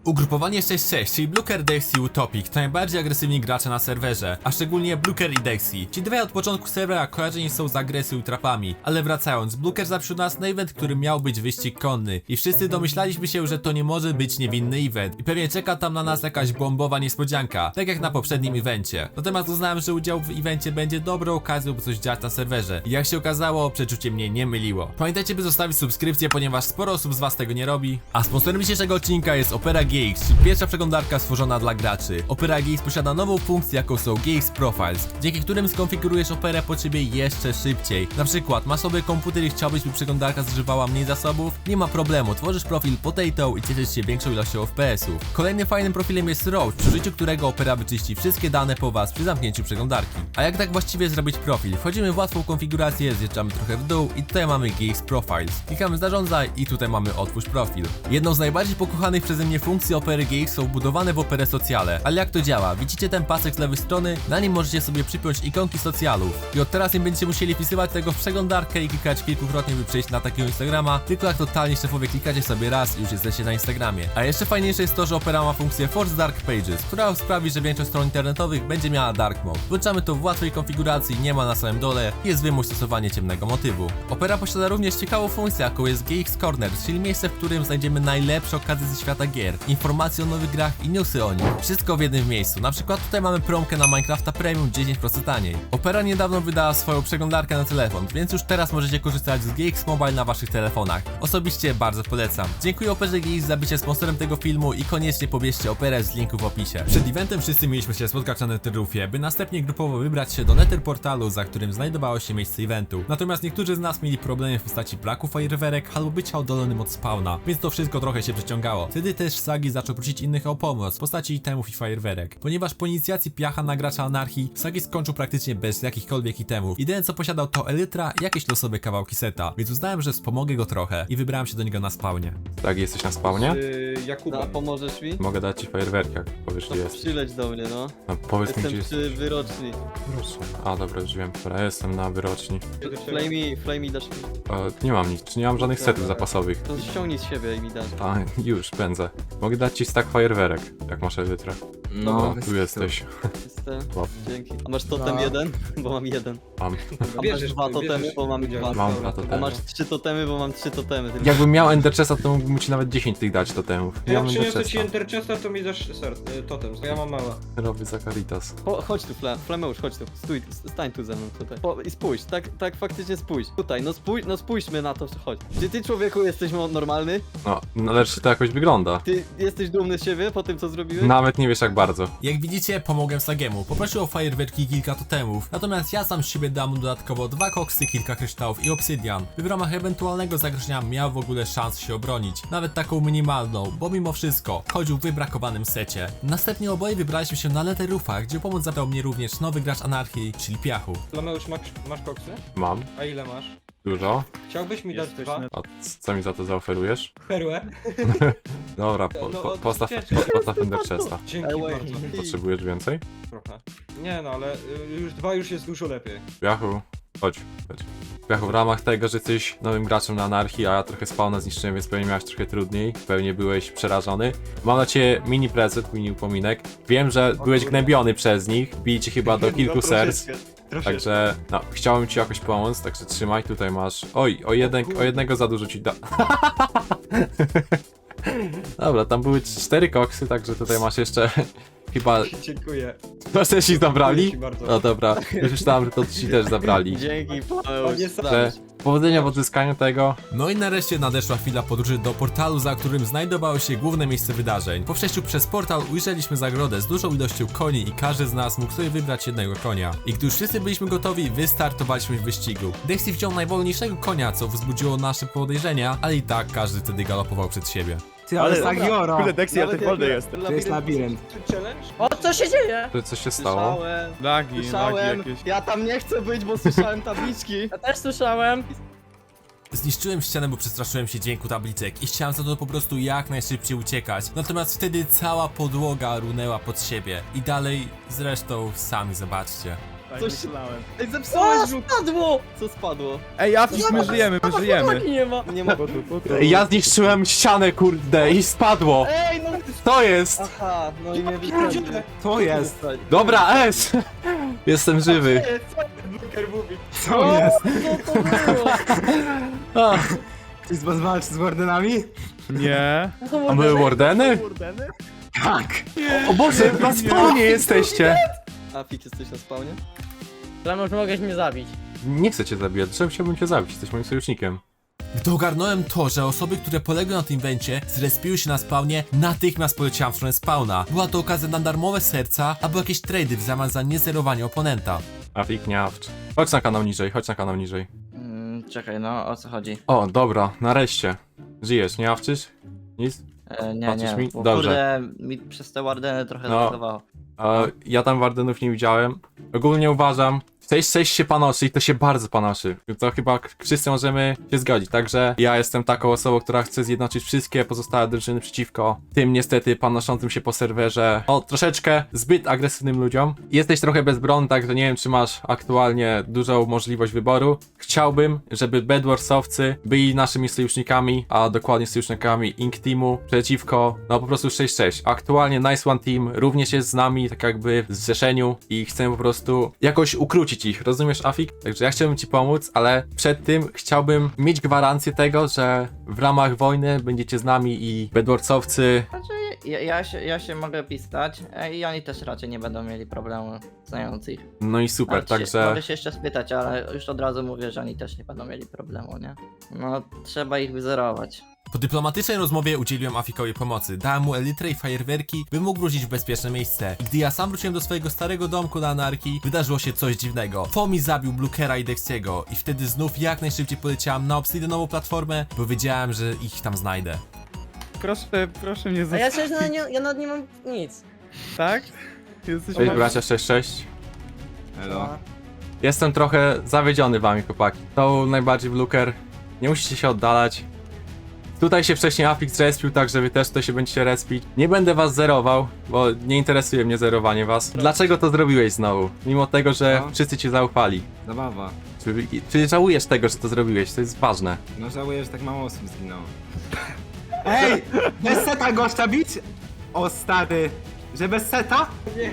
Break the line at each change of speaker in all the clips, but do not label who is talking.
Ugrupowanie 6-6, czyli Bluker, Dexy i Utopic to najbardziej agresywni gracze na serwerze, a szczególnie Bluker i Dexy. Ci dwaj od początku serwera kojarzeni są z agresją i trapami, ale wracając, Bluker zaprosił nas na event, który miał być wyścig konny i wszyscy domyślaliśmy się, że to nie może być niewinny event i pewnie czeka tam na nas jakaś bombowa niespodzianka, tak jak na poprzednim evencie. Natomiast uznałem, że udział w evencie będzie dobrą okazją, by coś dziać na serwerze i jak się okazało, przeczucie mnie nie myliło. Pamiętajcie, by zostawić subskrypcję, ponieważ sporo osób z was tego nie robi, a sponsorem dzisiejszego odcinka jest Opera GX, czyli pierwsza przeglądarka stworzona dla graczy. Opera GX posiada nową funkcję, jaką są GX Profiles, dzięki którym skonfigurujesz Operę pod siebie jeszcze szybciej. Na przykład masz sobie komputer i chciałbyś, by przeglądarka zużywała mniej zasobów? Nie ma problemu, tworzysz profil Potato i cieszysz się większą ilością FPS-ów. Kolejnym fajnym profilem jest Roach, przy użyciu którego Opera wyczyści wszystkie dane po was przy zamknięciu przeglądarki. A jak tak właściwie zrobić profil? Wchodzimy w łatwą konfigurację, zjeżdżamy trochę w dół i tutaj mamy GX Profiles. Klikamy zarządzaj i tutaj mamy otwórz profil. Jedną z najbardziej pokochanych przeze mnie funkcji Opery GX są wbudowane w Operę socjale. Ale jak to działa? Widzicie ten pasek z lewej strony? Na nim możecie sobie przypiąć ikonki socjalów. I od teraz nie będziecie musieli wpisywać tego w przeglądarkę i klikać kilkukrotnie, by przejść na takiego Instagrama, tylko jak totalnie szefowie klikacie sobie raz i już jesteście na Instagramie. A jeszcze fajniejsze jest to, że Opera ma funkcję Force Dark Pages, która sprawi, że większość stron internetowych będzie miała Dark Mode. Włączamy to w łatwej konfiguracji, nie ma na samym dole i jest wymusz stosowanie ciemnego motywu. Opera posiada również ciekawą funkcję, jaką jest GX Corner, czyli miejsce, w którym znajdziemy najlepsze okazje ze świata gier, informacje o nowych grach i newsy o nich. Wszystko w jednym miejscu. Na przykład tutaj mamy promkę na Minecrafta Premium 10% taniej. Opera niedawno wydała swoją przeglądarkę na telefon, więc już teraz możecie korzystać z GX Mobile na waszych telefonach. Osobiście bardzo polecam. Dziękuję Operze GX za bycie sponsorem tego filmu i koniecznie pobierzcie Operę z linku w opisie. Przed eventem wszyscy mieliśmy się spotkać na Netherroofie, by następnie grupowo wybrać się do Nether portalu, za którym znajdowało się miejsce eventu. Natomiast niektórzy z nas mieli problemy w postaci braku fajerwerek albo bycia oddalonym od spawna, więc to wszystko trochę się przeciągało. Wtedy też Sagi zaczął prosić innych o pomoc w postaci itemów i fajerwerek. Ponieważ po inicjacji piacha na gracza anarchii, Sagi skończył praktycznie bez jakichkolwiek itemów. Jedyne co posiadał to elytra i jakieś losowe kawałki seta, więc uznałem, że wspomogę go trochę i wybrałem się do niego na spawnie.
Tak, jesteś na spawnie?
Jakuba.
No, pomożesz mi?
Mogę dać ci fajerwerki, jak powiesz,
To
gdzie jest.
przyleć do mnie, no.
No, powiedz mi,
Jestem
gdzie
przy
jesteś.
wyroczni.
A, dobra, już wiem. Dobra, jestem na wyroczni.
Flamey dasz mi.
Nie mam nic, nie mam żadnych setów zapasowych.
To ściągnij z siebie i mi dasz.
A, już, pędzę. Mogę dać ci stack fajerwerek, jak masz elytrę.
No,
Tu jesteś.
Jestem.
Wow.
Dzięki. A masz totem
No.
jeden? Bo mam jeden.
Mam.
A masz
Bierzesz,
dwa totemy,
bierzesz
bo mam
udział.
dwa.
Mam dwa
A
totemy.
masz 3 totemy, bo mam 3 totemy. Tylko.
Jakbym miał Ender Chesta, to mógłbym ci nawet 10 tych dać totemów. Nie
Jak
mam Ender
przyniosę ci
Chesta.
Enterchesta, to mi dasz totem, bo ja mam mała.
Robię za Caritas.
Chodź tu, Flameusz, chodź tu. Stój, stań tu ze mną tutaj. I spójrz, tak faktycznie spójrz. Tutaj, no spójrzmy na to, chodź. Czy ty, człowieku, jesteś normalny?
No, lecz to jakoś wygląda.
Ty jesteś dumny z siebie po tym, co zrobiłeś?
Nawet nie wiesz jak bardzo.
Jak widzicie, pomogłem Sagiemu. Poprosił o fajerwerki i kilka totemów, natomiast ja sam z siebie dam mu dodatkowo 2 koksy, kilka kryształów i obsydian, by w ramach ewentualnego zagrożenia miał w ogóle szans się obronić. Nawet taką minimalną, bo mimo wszystko chodził w wybrakowanym secie. Następnie oboje wybraliśmy się na Netherroofa, gdzie pomoc zabrał mnie również nowy gracz anarchii, czyli Piachu.
Lameusz, masz koksy?
Mam.
A ile masz?
Dużo.
Chciałbyś mi dać dwa?
A co mi za to zaoferujesz?
Perłę?
Dobra, postaw Ender Chesta.
Dzięki
Ełej.
bardzo.
Potrzebujesz więcej?
Trochę. Nie no, ale już dwa już jest dużo lepiej.
Piachu, chodź. Piachu, w ramach tego, że jesteś nowym graczem na anarchii, a ja trochę spawna zniszczyłem, więc pewnie miałeś trochę trudniej, pewnie byłeś przerażony. Mam dla ciebie mini prezent, mini upominek. Wiem, że byłeś gnębiony przez nich, bili cię chyba do kilku serc. Także, no, chciałem ci jakoś pomóc, także trzymaj, tutaj masz... Oj, o jednego za dużo ci da... Dobra, tam były 4 koksy, także tutaj masz jeszcze... Chyba...
Dziękuję.
No, też ci zabrali?
Dzięki bardzo.
No dobra, już myślałem, że to ci też zabrali.
Dzięki, Flameusz.
Że powodzenia w odzyskaniu tego.
No i nareszcie nadeszła chwila podróży do portalu, za którym znajdowało się główne miejsce wydarzeń. Po przejściu przez portal ujrzeliśmy zagrodę z dużą ilością koni i każdy z nas mógł sobie wybrać jednego konia. I gdy już wszyscy byliśmy gotowi, wystartowaliśmy w wyścigu. Dexy wziął najwolniejszego konia, co wzbudziło nasze podejrzenia, ale i tak każdy wtedy galopował przed siebie.
Ty, ale Sagioro!
Kurde, Dexy, ale ty wolny jest.
To jest labirynt.
Challenge?
O, co się dzieje?
To co się stało?
Słyszałem, ja tam nie chcę być, bo słyszałem tabliczki.
Ja też słyszałem.
Zniszczyłem ścianę, bo przestraszyłem się dźwięku tabliczek i chciałem za to po prostu jak najszybciej uciekać. Natomiast wtedy cała podłoga runęła pod siebie. I dalej zresztą sami zobaczcie.
Coś-
myślałem.
Ej,
O,
zepsułeś żółt!
spadło!
Co spadło?
Ej, Afik, my żyjemy, my żyjemy.
Nie ma.
Nie ma...
Ja zniszczyłem ścianę, kurde, i spadło.
Ej, no...
To jest!
Aha, no i mnie
pierdzielę.
wysadził.
Co jest?
Dobra, S! Jestem żywy.
Co jest?
Co to było?
A,
Ktoś z was walczy z wardenami?
Nie.
a były wardeny?
Tak.
O Boże, na spawnie jesteście!
Afik, jesteś na spawnie?
Lamusz, mogłeś mnie zabić.
Nie chcę cię zabijać, dlaczego chciałbym cię zabić? Jesteś moim sojusznikiem.
Gdy ogarnąłem to, że osoby, które poległy na tym inwencie, zrespiły się na spawnie, natychmiast poleciałem w stronę spawna. Była to okazja na darmowe serca, albo jakieś trady w zamian za niezerowanie oponenta.
Afik, nie awcz. Chodź na kanał niżej, chodź na kanał niżej.
Czekaj, no o co chodzi?
O, dobra, nareszcie. Żyjesz, nie awczysz? Nic?
Nie,
Patrzysz
nie,
mi?
bo
Dobrze.
kurde mi przez te Wardeny trochę
No.
zagowało.
Ja tam wardenów nie widziałem. Ogólnie uważam, 6-6 się panoszy i to się bardzo panoszy. To chyba wszyscy możemy się zgodzić. Także ja jestem taką osobą, która chce zjednoczyć wszystkie pozostałe drużyny przeciwko tym niestety panoszącym się po serwerze troszeczkę zbyt agresywnym ludziom. Jesteś trochę bezbronny, także nie wiem, czy masz aktualnie dużą możliwość wyboru. Chciałbym, żeby Bedwarsowcy byli naszymi sojusznikami, a dokładnie sojusznikami Ink Teamu przeciwko, no po prostu 6-6. Aktualnie Nice One Team również jest z nami, tak jakby w zrzeszeniu i chcemy po prostu jakoś ukrócić ich, rozumiesz, Afik? Także ja chciałbym ci pomóc, ale przed tym chciałbym mieć gwarancję tego, że w ramach wojny będziecie z nami i Bedwarsowcy.
Znaczy, ja się mogę pisać i oni też raczej nie będą mieli problemu znając ich.
No i super,
Ale
także
Mogę się jeszcze spytać, ale już od razu mówię, że oni też nie będą mieli problemu, nie? No, trzeba ich wyzerować.
Po dyplomatycznej rozmowie udzieliłem Afikowi pomocy, dałem mu elitrę i fajerwerki, by mógł wrócić w bezpieczne miejsce. I gdy ja sam wróciłem do swojego starego domku na Anarchii, wydarzyło się coś dziwnego. Fomi zabił Bluekera i Dexiego i wtedy znów jak najszybciej poleciałem na obsydianową platformę, bo wiedziałem, że ich tam znajdę.
Proszę mnie
A ja
zostawić.
przecież ja nawet nie mam nic.
Tak? Jesteś
cześć bracia 6-6.
Elo.
Jestem trochę zawiedziony wami, chłopaki. To najbardziej Bluker. Nie musicie się oddalać. Tutaj się wcześniej Afik zrespił, tak że wy też tutaj się będziecie respić. Nie będę was zerował, bo nie interesuje mnie zerowanie was. Dlaczego to zrobiłeś znowu? Mimo tego, że
No.
wszyscy cię zaufali.
Zabawa.
Czy żałujesz tego, że to zrobiłeś? To jest ważne.
No żałuję, że tak mało osób zginęło. Ej! Bez seta gościa bić? O stary. Że bez seta?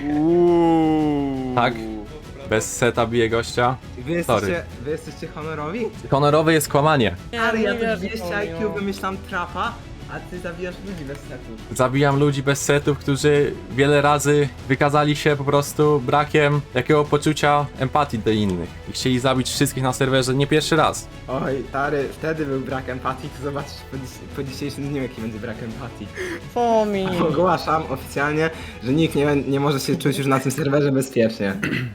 Tak? Bez seta bije gościa.
Wy jesteście honorowi?
Honorowe jest kłamanie.
Ale ja
nie
to
wierzę
200
Fomi,
IQ
no.
wymyślam trapa, a ty zabijasz ludzi bez setu.
Zabijam ludzi bez setów, którzy wiele razy wykazali się po prostu brakiem jakiego poczucia empatii do innych. I chcieli zabić wszystkich na serwerze nie pierwszy raz.
Oj, stary, wtedy był brak empatii, to zobaczysz po dzisiejszym dniu, jaki będzie brak empatii.
Fomi.
Ogłaszam oficjalnie, że nikt nie może się czuć już na tym serwerze bezpiecznie.